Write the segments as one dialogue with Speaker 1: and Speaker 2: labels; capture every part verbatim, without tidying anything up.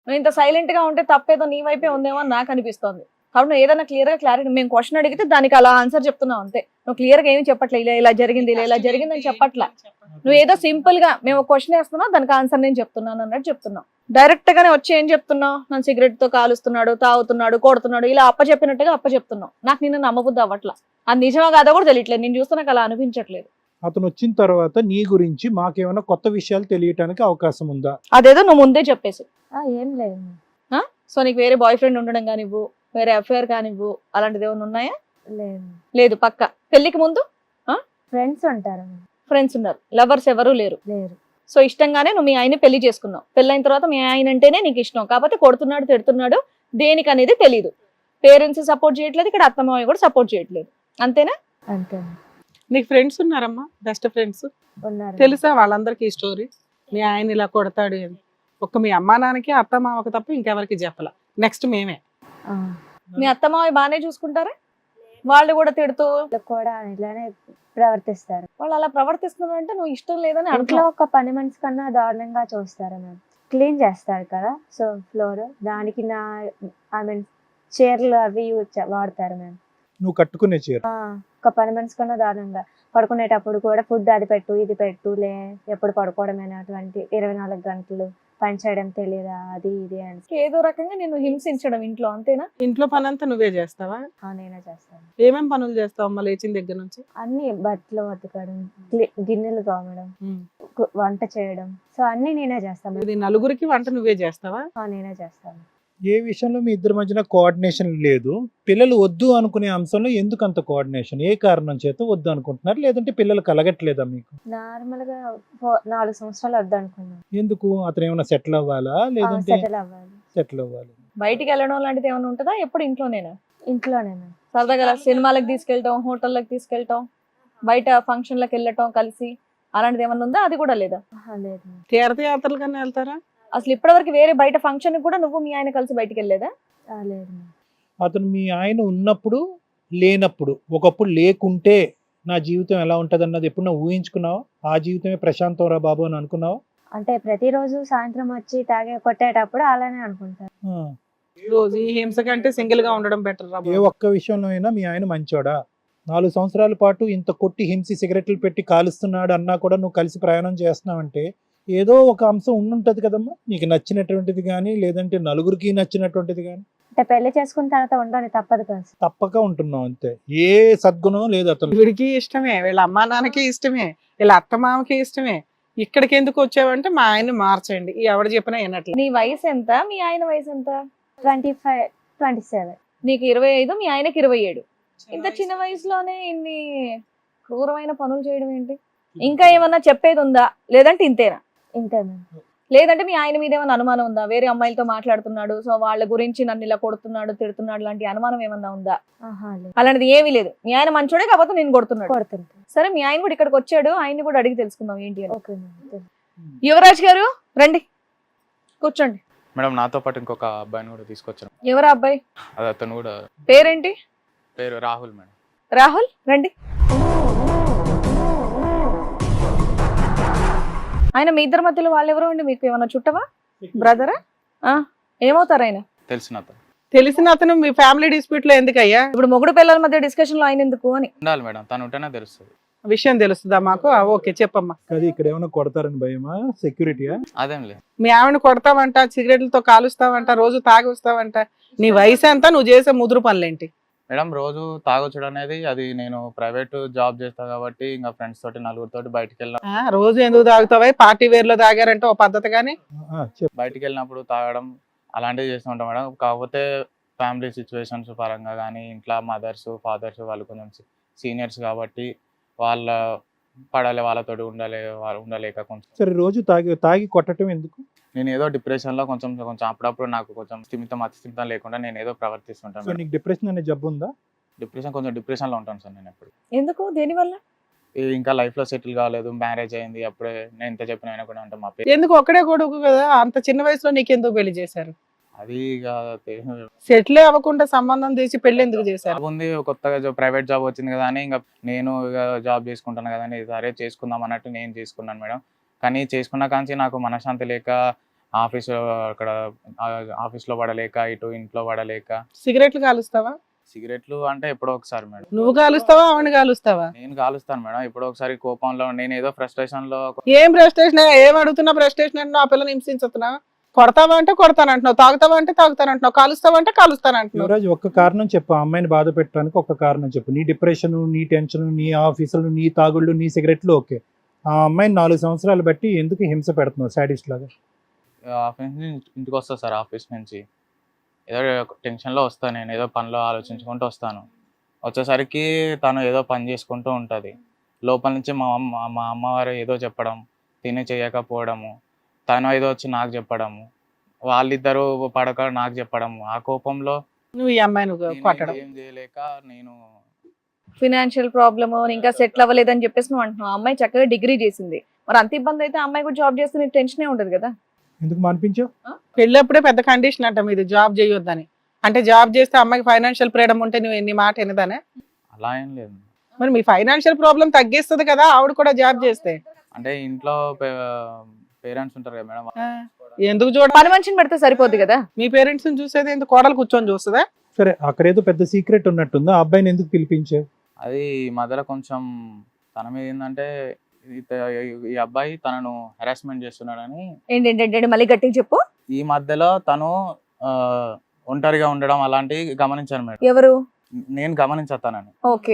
Speaker 1: నువ్వు ఇంత సైలెంట్ గా ఉంటే తప్పేదో నీ వైపే ఉందేమో అని నాకు అనిపిస్తోంది. కాబట్టి నువ్వు ఏదైనా క్లియర్ గా క్లారిటీ, మేము క్వశ్చన్ అడిగితే దానికి అలా ఆన్సర్ చెప్తున్నావు అంతే. నువ్వు క్లియర్ గా ఏమి చెప్పట్లే, ఇలా ఇలా జరిగింది ఇలా ఇలా జరిగింది అని చెప్పట్లా. నువ్వు ఏదో సింపుల్ గా మేము క్వశ్చన్ వేస్తున్నావు దానికి ఆన్సర్ నేను చెప్తున్నాను అన్నట్టు చెప్తున్నావు. డైరెక్ట్ గానే వచ్చి ఏం చెప్తున్నావు, నన్ను సిగరెట్ తో కాలుస్తున్నాడు, తాగుతున్నాడు, కొడుతున్నాడు, ఇలా అప్ప చెప్పినట్టుగా అప్ప చెప్తున్నావు. నాకు నిన్ను నమ్మబుద్ధి అవ్వట్లా. అది నిజమా కాదో కూడా తెలియట్లేదు, నేను చూస్తే నాకు అలా అనిపించట్లేదు.
Speaker 2: అతను వచ్చిన తర్వాత నీ గురించి మాకేమైనా కొత్త విషయాలు తెలియటానికి అవకాశం ఉందా?
Speaker 1: అదేదో నువ్వు ముందే చెప్పేసి.
Speaker 3: ఏం లేదు.
Speaker 1: సో నీకు వేరే బాయ్ ఫ్రెండ్ ఉండడం కానివ్వు, వేరే అఫేర్ కానివ్వు, అలాంటిది ఏమైనా ఉన్నాయా?
Speaker 3: లేదు.
Speaker 1: లేదు పక్క. పెళ్లికి ముందు
Speaker 3: ఫ్రెండ్స్ ఉంటారు.
Speaker 1: ఫ్రెండ్స్ ఉన్నారు, లవర్స్ ఎవరు లేరు.
Speaker 3: లేరు.
Speaker 1: సో ఇష్టంగానే నువ్వు మీ ఆయన పెళ్లి చేసుకున్నావు. పెళ్ళైన తర్వాత మీ ఆయన అంటేనే నీకు ఇష్టం, కాకపోతే కొడుతున్నాడు తిడుతున్నాడు దేనికి అనేది తెలియదు. పేరెంట్స్ సపోర్ట్ చేయట్లేదు, ఇక్కడ అత్తమావ కూడా సపోర్ట్ చేయట్లేదు, అంతేనా?
Speaker 3: అంతే.
Speaker 4: నీకు ఫ్రెండ్స్ ఉన్నారమ్మా, బెస్ట్ ఫ్రెండ్స్
Speaker 3: ఉన్నారు.
Speaker 4: తెలుసా వాళ్ళందరికీ ఈ స్టోరీ? మీ ఆయన ఇలా కొడతాడు అని ఒక్క మీ అమ్మా నాన్నకి అత్త మామకి తప్ప ఇంకెవరికి చెప్పాల. నెక్స్ట్ మేమే.
Speaker 1: మీ అత్తమావ బాగానే చూసుకుంటారా? వాళ్ళు కూడా తిడుతూ
Speaker 3: కూడా ఇలానే ప్రవర్తిస్తారు.
Speaker 1: వాళ్ళు అలా ప్రవర్తిస్తున్నారు అంటే నువ్వు ఇష్టం లేదని
Speaker 3: ఇంట్లో
Speaker 1: అంట్లో
Speaker 3: ఒక పని మనిషి కన్నా దారుణంగా చూస్తారు మ్యామ్. క్లీన్ చేస్తారు కదా, సో ఫ్లోర్ దానికి నా ఐ మీన్ చీరలు అవి యూజ్ వాడతారు మ్యామ్.
Speaker 2: నువ్వు కట్టుకునే చీర
Speaker 3: ఒక పని మనిషి కన్నా దారుణంగా పడుకునేటప్పుడు కూడా ఫుడ్ అది పెట్టు ఇది పెట్టు లే ఎప్పుడు పడుకోవడమేనా అటువంటి ఇరవై నాలుగు గంటలు పని చేయడం తెలియదా అది ఇది అని
Speaker 1: ఏదో రకంగా నేను హింసించడం ఇంట్లో, అంతేనా?
Speaker 4: ఇంట్లో పని అంతా నువ్వే చేస్తావా?
Speaker 3: నేనే చేస్తాను.
Speaker 4: ఏమేం పనులు చేస్తావు అమ్మ లేచిన దగ్గర నుంచి?
Speaker 3: అన్ని బట్టలు ఉతకడం, గి- గిన్నెలు తోమడం, కు- వంట చేయడం, సో అన్ని నేనే చేస్తాను.
Speaker 4: ఇది నలుగురికి వంట నువ్వే చేస్తావా?
Speaker 3: ఆ, నేనే చేస్తాను.
Speaker 2: ఏ విషయంలో మీ ఇద్దరి మధ్యన కోఆర్డినేషన్ లేదు? పిల్లలు వద్దు అనుకునే అంశంలో ఎందుకు అంత కోఆర్డినేషన్? ఏ కారణం చేత వద్దు అనుకుంటున్నారు? లేదంటే పిల్లలు కలగట్లేదా మీకు?
Speaker 3: నార్మల్ గా ఫో- నాలుగు సంవత్సరాలు వద్దనుకున్నాను.
Speaker 2: ఎందుకు? అతను ఏమైనా సెటిల్ అవ్వాలా లేదంటే
Speaker 3: సెటిల్ అవ్వాలి.
Speaker 2: సెటిల్ అవ్వాలి?
Speaker 1: బయటికి వెళ్ళడం లాంటిది ఏమైనా ఉంటుందా? ఎప్పుడు ఇంట్లోనేనా?
Speaker 3: ఇంట్లోనే మ్యామ్.
Speaker 1: సరదాగా అలా సినిమాలకు తీసుకెళ్ళటం, హోటళ్ళకి తీసుకెళ్ళటం, బయట ఫంక్షన్లకు వెళ్ళటం కలిసి, అలాంటిది ఏమన్నా ఉందా? అది కూడా లేదా?
Speaker 3: ఆహా, లేదు మ్యామ్.
Speaker 4: తీర్థయాత్రలు కన్నా వెళ్తారా?
Speaker 1: అసలు ఇప్పటివరకు వేరే బయట ఫంక్షన్ కూడా నువ్వు మీ ఆయన కలిసి బయటికి వెళ్ళలేదా?
Speaker 3: ఆ, లేదు మ్యామ్.
Speaker 2: అతను మీ ఆయన ఉన్నప్పుడు లేనప్పుడు, ఒకప్పుడు లేకుంటే నా జీవితం ఎలా ఉంటది అన్నది ఎప్పుడు నువ్వు ఊహించుకున్నావా? ఆ జీవితమే ప్రశాంతం రా బాబు అని అనుకున్నావా?
Speaker 3: అంటే ప్రతిరోజు సాయంత్రం వచ్చి తాగే కొట్టేటప్పుడు అలానే అనుకుంటారు.
Speaker 2: ఆ.
Speaker 4: రోజు ఈ హింస కంటే సింగిల్ గా ఉండడం బెటర్ రా
Speaker 2: ఏ
Speaker 4: బాబు.
Speaker 2: ఒక్క విషయంలో అయినా మీ ఆయన మంచోడా? నాలుగు సంవత్సరాల పాటు ఇంత కొట్టి హింసి సిగరెట్లు పెట్టి కాలుస్తున్నాడు అన్నా కూడా నువ్వు కలిసి ప్రయాణం చేస్తున్నావంటే ఏదో ఒక అంశం ఉండుంటది కదమ్మా, నీకు నచ్చినటువంటిది కానీ లేదంటే నలుగురికి నచ్చినటువంటిది కానీ.
Speaker 3: అంటే పెళ్లి చేసుకున్న తర్వాత ఉండాలి, తప్పదు కదా.
Speaker 2: తప్పక ఉంటున్నావు అంతే, ఏ సద్గుణం లేదు అతను.
Speaker 4: వీడికి ఇష్టమే, వీళ్ళ అమ్మా నాన్నకి ఇష్టమే, వీళ్ళ అత్త మామకి ఇష్టమే. ఇక్కడికి ఎందుకు వచ్చావంటే మా ఆయన్ని మార్చండి, ఈ ఎవడు చెప్పినా వినట్లే.
Speaker 1: నీ వయసు ఎంత? మీ ఆయన వయసు ఎంత?
Speaker 3: ట్వంటీ ఫైవ్ ట్వంటీ సెవెన్
Speaker 1: నీకు ఇరవై ఐదు, మీ ఆయనకి ఇరవై ఏడు. ఇంత చిన్న వయసులోనే ఇన్ని క్రూరమైన పనులు చేయడం ఏంటి? ఇంకా ఏమన్నా చెప్పేది ఉందా లేదంటే ఇంతేనా?
Speaker 3: ఇంతే మ్యామ్.
Speaker 1: లేదంటే మీ ఆయన మీద ఏమైనా అనుమానం ఉందా? వేరే అమ్మాయిలతో మాట్లాడుతున్నాడు, సో వాళ్ళ గురించి నన్ను ఇలా కొడుతున్నాడు తిడుతున్నాడు లాంటి అనుమానం ఏమన్నా ఉందా?
Speaker 3: ఆహా, లేదు.
Speaker 1: అలాంటిది ఏమీ లేదు. మీ ఆయన మంచోడే కాకపోతే నేను కొడుతున్నాడు.
Speaker 3: కొడుతుంటా.
Speaker 1: సరే, మీ ఆయన కూడా ఇక్కడికి వచ్చాడు, ఆయన్ని కూడా అడిగి తెలుసుకుందాం ఏంటి అని.
Speaker 3: Okay ma'am.
Speaker 1: యువరాజ్ గారు రండి, కూర్చోండి.
Speaker 5: మేడం నాతో పాటు ఇంకొక అబ్బాయిని కూడా తీసుకొచ్చాను.
Speaker 1: ఎవరా అబ్బాయి?
Speaker 5: అది అతను కూడా
Speaker 1: పేరేంటి?
Speaker 5: పేరు రాహుల్ మేడం.
Speaker 1: రాహుల్ రండి. ఆయన మీ ఇద్దరి మధ్యలో వాళ్ళు ఎవరు అండి? మీకు ఏమన్నా చుట్టవా, బ్రదరా? ఏమవుతారు ఆయన?
Speaker 5: తెలిసిన అతను.
Speaker 4: తెలిసిన అతను మీ ఫ్యామిలీ డిస్ప్యూట్ లో ఎందుకయ్యా?
Speaker 1: ఇప్పుడు మొగుడు పిల్లల మధ్య డిస్కషన్ లో ఆయన ఎందుకు అని
Speaker 5: ఉండాలి మేడం, తను ఉంటేనే తెలుస్తుంది.
Speaker 4: విషయం తెలుస్తుందా మాకు? ఆ, ఓకే చెప్పమ్మా.
Speaker 2: అది ఇక్కడ ఏమైనా కొడతారని భయమా? సెక్యూరిటీయా?
Speaker 5: అదేం లేదు.
Speaker 4: మీ ఆవిడ కొడతావంట, సిగరెట్లతో కాలుస్తావంట, రోజు తాగి వస్తావంట. నీ వయసు ఎంత, నువ్వు చేసే ముదురు పనులేంటి?
Speaker 5: మేడం రోజు తాగొచ్చడం అనేది అది నేను ప్రైవేట్ జాబ్ చేస్తా కాబట్టి ఇంకా ఫ్రెండ్స్ తోటి నలుగురితోటి బయటికి వెళ్ళిన
Speaker 4: ఆ, రోజు ఎందుకు తాగుతావా? పార్టీ వేర్ లో తాగారంటే ఓ పద్ధతి కానీ.
Speaker 2: ఆ, చెప్పు.
Speaker 5: బయటికి వెళ్ళినప్పుడు తాగడం అలాంటివి చేస్తూ ఉంటాం మేడం. కాకపోతే ఫ్యామిలీ సిచ్యువేషన్స్ పరంగా కానీ ఇంట్లో మదర్స్ ఫాదర్స్ వాళ్ళు కొంచెం సీనియర్స్ కాబట్టి వాళ్ళ పడాలి, వాళ్ళతోటి ఉండాలి, వాళ్ళు ఉండలేక కొంచెం.
Speaker 2: సరే, రోజు తాగి తాగి కొట్టడం ఎందుకు?
Speaker 5: నేను ఏదో డిప్రెషన్ లో కొంచెం కొంచెం అప్పుడప్పుడు నాకు కొంచెం స్థిమితం అతిస్థిమితం లేకుండా నేను ఏదో ప్రవర్తిస్తుంటాను
Speaker 2: సో
Speaker 5: మేడం.
Speaker 2: నీకు డిప్రెషన్ అనే జబ్బు ఉందా?
Speaker 5: డిప్రెషన్ కొంచెం డిప్రెషన్ లో ఉంటాను సార్ నేను ఎప్పుడు.
Speaker 1: ఎందుకు, దేనివల్ల?
Speaker 5: ఈ ఇంకా లైఫ్ లో సెటిల్ కాలేదు, మ్యారేజ్ అయింది, అప్పుడే నేను ఎంత చెప్పిన ఆయన కూడా ఉంటాం మా పేరు.
Speaker 4: ఎందుకు ఒక్కడే కొడుకు కదా, అంత చిన్న వయసులో నీకెందుకు పెళ్లి చేశారు?
Speaker 5: అది ఇక
Speaker 4: సెటిల్ అవ్వకుండా సంబంధం తీసి పెళ్లి ఎందుకు చేశారు?
Speaker 5: జాబ్ ఉంది, కొత్తగా ప్రైవేట్ జాబ్ వచ్చింది కదా అని ఇంకా నేను ఇక జాబ్ చేసుకుంటాను కదా అని సరే చేసుకుందాం అన్నట్టు నేను చేసుకున్నాను మేడం. కానీ చేసుకున్న కాంచి నాకు మనశ్శాంతి లేక ఆఫీస్ అక్కడ ఆఫీస్లో పడలేక ఇటు ఇంట్లో పడలేక.
Speaker 4: సిగరెట్లు కాలుస్తావా?
Speaker 5: సిగరెట్లు అంటే ఎప్పుడో ఒకసారి మేడం.
Speaker 4: నువ్వు కాలుస్తావా ఆవిడ కాలుస్తావా?
Speaker 5: నేను కాలుస్తాను మేడం. ఎప్పుడో ఒకసారి కోపంలో నేను ఏదో ఫ్రస్ట్రేషన్ లో
Speaker 4: ఏం ప్రెస్టేషన్? ఏం అడుగుతున్నా ప్రెస్టేషన్ అంటే ఆ పిల్లని హింసించుతున్నా? కొడతావా అంటే కొడతానంటున్నావు, తాగుతావా అంటే తాగుతానంటున్నావు, కాలుస్తావా అంటే కాలుస్తానంటున్నావు.
Speaker 2: యువరాజ్ ఒక్క కారణం చెప్పు, ఆ అమ్మాయిని బాధ పెట్టడానికి ఒక్క కారణం చెప్పు. నీ డిప్రెషన్, నీ టెన్షన్, నీ ఆఫీసులు, నీ తాగుళ్ళు, నీ సిగరెట్లు ఓకే. ఆ అమ్మాయిని నాలుగు సంవత్సరాలు బట్టి ఎందుకు హింస పెడుతున్నావు సాడిస్ట్ లాగా?
Speaker 5: ఆఫీస్ నుంచి ఇంటికి వస్తాను సార్. ఆఫీస్ నుంచి ఏదో టెన్షన్లో వస్తాను, నేను ఏదో పనిలో ఆలోచించుకుంటూ వస్తాను. వచ్చేసరికి తను ఏదో పని చేసుకుంటూ ఉంటుంది. లోపల నుంచి మా అమ్మ మా అమ్మవారు ఏదో చెప్పడం, తిని చేయకపోవడము, తను ఏదో వచ్చి నాకు చెప్పడము, వాళ్ళిద్దరూ పడక నాకు చెప్పడము. ఆ కోపంలో
Speaker 4: నువ్వు ఈ అమ్మాయిని
Speaker 5: నేను
Speaker 4: కొట్టడం.
Speaker 5: ఏం చేయలేక నేను
Speaker 1: ఫినాన్షియల్ ప్రాబ్లమ్, ఇంకా సెటిల్ అవ్వలేదని చెప్పేసి నువ్వు అంటున్నావు. ఆ అమ్మాయి చక్కగా డిగ్రీ చేసింది, మరి అంత ఇబ్బంది అయితే ఆ అమ్మాయి కూడా జాబ్ చేస్తే నీకు టెన్షనే ఉండదు కదా?
Speaker 2: ఎందుకు మానిపించావు?
Speaker 4: పెళ్ళప్పుడే పెద్ద కండిషన్ అంట మీది, జాబ్ చేయొద్దని. అంటే జాబ్ చేస్తే అమ్మాయికి ఫైనాన్షియల్ ఫ్రీడమ్ ఉంటే నువ్వు ఎన్ని మాట ఎనదానే?
Speaker 5: అలా ఏం లేదు.
Speaker 4: మరి మీ ఫైనాన్షియల్ ప్రాబ్లం తగ్గిస్తుంది కదా ఆవిడ కూడా జాబ్ చేస్తే.
Speaker 5: అంటే ఇంట్లో పేరెంట్స్ ఉంటారు కదా మేడం.
Speaker 4: ఆ, ఎందుకు చూడ?
Speaker 1: పని మనిషిని పెడితే సరిపోద్ది కదా?
Speaker 4: మీ పేరెంట్స్ ని చూసేది ఎందుకు? కోడలు కూర్చొని చూస్తుందా?
Speaker 2: సరే, అక్కడేదో పెద్ద సీక్రెట్ ఉన్నట్టుందా? ఆ అబ్బాయిని ఎందుకు పిలిపించావు?
Speaker 5: అది ఈ మధ్యలో కొంచెం తన మీద ఏంటంటే ఈ అబ్బాయి తనను హెరాస్మెంట్ చేస్తున్నాడని.
Speaker 1: ఏంటంటే మళ్ళీ గట్టిగా చెప్పు.
Speaker 5: ఈ మధ్యలో తను ఆ, ఒంటరిగా ఉండడం అలాంటివి గమనించాను మేడం.
Speaker 1: ఎవరు?
Speaker 5: నేను గమనించాను.
Speaker 1: ఓకే.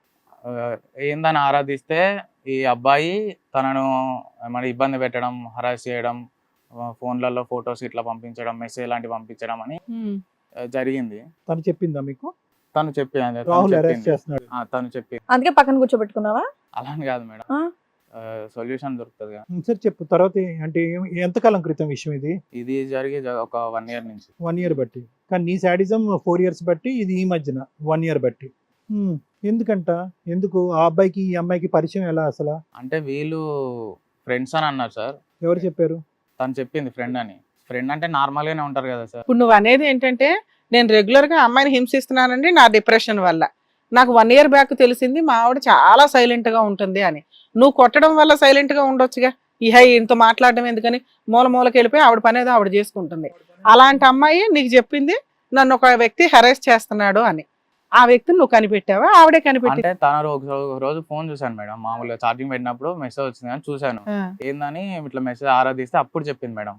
Speaker 5: ఏందని ఆరాధిస్తే ఈ అబ్బాయి తనను మరి ఇబ్బంది పెట్టడం, హరాస్ చేయడం, ఫోన్లలో ఫొటోస్ ఇట్లా పంపించడం, మెసేజ్ లాంటివి పంపించడం అని జరిగింది.
Speaker 2: తను చెప్పిందా మీకు?
Speaker 5: తను చెప్పింది,
Speaker 2: రాహుల్ అరెస్ట్ చేస్తున్నాడు.
Speaker 5: తను చెప్పింది.
Speaker 1: అందుకే పక్కన కూర్చోబెట్టుకున్నావా?
Speaker 5: అలా అని కాదు మేడం, సొల్యూషన్ దొరుకుతుంది కదా.
Speaker 2: సరే చెప్పు, తర్వాత ఏ- అంటే ఏం- ఎంతకాలం క్రితం విషయం ఇది?
Speaker 5: ఇది జరిగి జ- ఒక వన్ ఇయర్ నుంచి.
Speaker 2: వన్ ఇయర్ బట్టి. కానీ నీ శాడిజం ఫోర్ ఇయర్స్ బట్టి, ఇది ఈ మధ్యన వన్ ఇయర్ బట్టి. హ్మ్. ఎందుకంట? ఎందుకు ఆ అబ్బాయికి ఈ అమ్మాయికి పరిచయం ఎలా అసలు?
Speaker 5: అంటే వీళ్ళు ఫ్రెండ్స్ అని అన్నారు సార్.
Speaker 2: ఎవరు చెప్పారు?
Speaker 5: తను చెప్పింది ఫ్రెండ్ అని. ఫ్రెండ్ అంటే నార్మల్ గానే ఉంటారు కదా సార్.
Speaker 4: ఇప్పుడు నువ్వు అనేది ఏంటంటే నేను రెగ్యులర్ గా అమ్మాయిని హింసిస్తున్నానండి నా డిప్రెషన్ వల్ల. నాకు వన్ ఇయర్ బ్యాక్ తెలిసింది మా ఆవిడ చాలా సైలెంట్ గా ఉంటుంది అని. నువ్వు కొట్టడం వల్ల సైలెంట్ గా ఉండొచ్చుగా. ఇహ ఇంత మాట్లాడడం ఎందుకని మూల మూలకి వెళ్ళిపోయి ఆవిడ పని ఏదో ఆవిడ చేసుకుంటుంది. అలాంటి అమ్మాయి నీకు చెప్పింది నన్ను ఒక వ్యక్తి హెరాస్ చేస్తున్నాడు అని. ఆ వ్యక్తిని నువ్వు కనిపెట్టావా ఆవిడే కనిపెట్టి?
Speaker 5: అంటే తన ఒక ఒక రోజు ఫోన్ చూసాను మేడం. మామూలుగా ఛార్జింగ్ పెట్టినప్పుడు మెసేజ్ వచ్చింది అని చూసాను. ఏందని ఇట్లా మెసేజ్ ఆరాధిస్తే అప్పుడు చెప్పింది మేడం,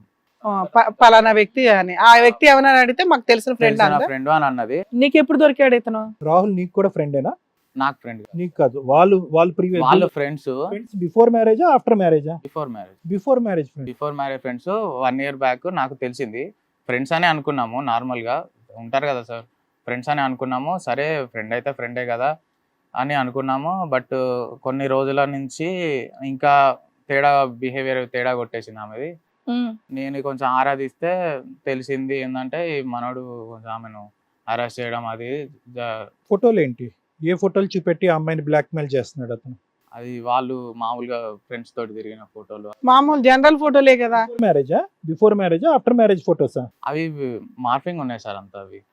Speaker 4: పలానా వ్యక్తి అని. ఆ వ్యక్తి ఏమన్నా అడిగితే మాకు తెలిసిన ఫ్రెండ్ అన్న
Speaker 5: ఫ్రెండ్ అని అన్నది.
Speaker 4: నీకు ఎప్పుడు దొరికాడు ఇతను?
Speaker 2: రాహుల్ నీకు కూడా ఫ్రెండేనా?
Speaker 5: నాకు ఫ్రెండ్
Speaker 2: నీకు కాదు, వాళ్ళు వాళ్ళు ప్రీవియస్
Speaker 5: వాళ్ళు ఫ్రెండ్స్.
Speaker 2: ఫ్రెండ్స్ బిఫోర్ మ్యారేజా ఆఫ్టర్ మ్యారేజా?
Speaker 5: Before marriage.
Speaker 2: Before marriage friend.
Speaker 5: Before marriage friends. One year back నాకు తెలిసింది. ఫ్రెండ్స్ అనే అనుకున్నాము, నార్మల్ గా ఉంటారు కదా సార్, ఫ్రెండ్స్ అని అనుకున్నాము. సరే ఫ్రెండ్ అయితే ఫ్రెండే కదా అని అనుకున్నాము. బట్ కొన్ని రోజుల నుంచి ఇంకా తేడా బిహేవియర్ తేడా కొట్టేసింది ఆమెది. నేను కొంచెం ఆరాధిస్తే తెలిసింది ఏంటంటే ఈ మనోడు కొంచెం ఆమెను అరెస్ట్ చేయడం అది జ-
Speaker 2: ఫోటోలు ఏంటి? ఏ ఫోటోలు చూపెట్టి ఆ అమ్మాయిని బ్లాక్ మెయిల్ చేస్తున్నాడు అతను?
Speaker 5: అది వాళ్ళు మామూలుగా ఫ్రెండ్స్ తోటి తిరిగిన ఫోటోలు.
Speaker 4: మామూలు జనరల్ ఫోటోలే కదా.
Speaker 2: మ్యారేజా? బిఫోర్ మ్యారేజా ఆఫ్టర్ మ్యారేజ్ ఫోటోసా?
Speaker 5: అవి మార్ఫింగ్ ఉన్నాయి సార్ అంతా. అవి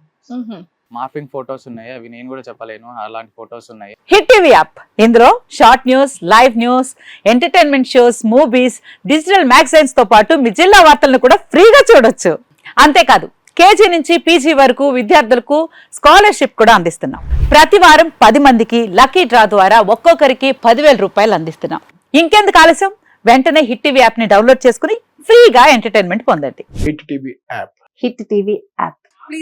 Speaker 5: మార్ఫింగ్ ఫొటోస్ ఉన్నాయి. అవి నేను కూడా చెప్పలేను, అలాంటి ఫొటోస్ ఉన్నాయి.
Speaker 6: హిట్ టీవీ యాప్, ఇందులో short news, live news, entertainment shows, movies, digital magazines తో పాటు మీ జిల్లా వార్తలను కూడా ఫ్రీగా చూడొచ్చు. అంతేకాదు కేజీ నుంచి పీజీ వరకు విద్యార్థులకు స్కాలర్షిప్ కూడా అందిస్తున్నాం. ప్రతి వారం పది మందికి లక్కీ డ్రా ద్వారా ఒక్కొక్కరికి పదివేల రూపాయలు అందిస్తున్నాం. ఇంకెందుకు ఆలస్యం, వెంటనే హిట్ టీవీ యాప్ ని డౌన్లోడ్ చేసుకుని ఫ్రీగా ఎంటర్టైన్మెంట్ పొందండి.
Speaker 7: Hit TV app.
Speaker 6: Hit TV app.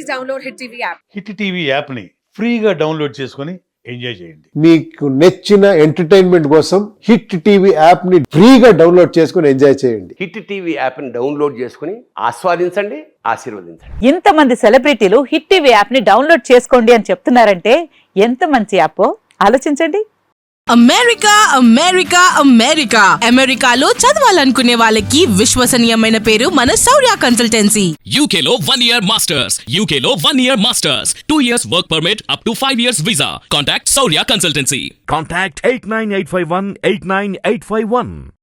Speaker 7: Hit TV యాప్ని ఫ్రీగా డౌన్లోడ్ చేసుకొని ఎంజాయ్ చేయండి.
Speaker 8: మీకు నచ్చిన ఎంటర్టైన్మెంట్ కోసం హిట్ టీవీ యాప్ ని ఫ్రీగా డౌన్లోడ్ చేసుకుని ఎంజాయ్ చేయండి.
Speaker 9: హిట్ టీవీ యాప్ని డౌన్లోడ్ చేసుకుని ఆస్వాదించండి, ఆశీర్వదించండి.
Speaker 6: ఇంతమంది సెలబ్రిటీలు హిట్ టీవీ యాప్ ని డౌన్లోడ్ చేసుకోండి అని చెప్తున్నారంటే ఎంత మంచి యాప్ ఆలోచించండి.
Speaker 10: అమెరికా అమెరికా అమెరికా అమెరికాలో చదవాలనుకునే వాళ్ళకి విశ్వసనీయమైన పేరు మన శౌర్య కన్సల్టెన్సీ.
Speaker 11: యూకేలో వన్ ఇయర్ మాస్టర్స్. యూకేలో one year masters. Two years work permit up to five years visa. Contact Shaurya consultancy.
Speaker 12: Contact eight nine eight five one eight nine eight five one.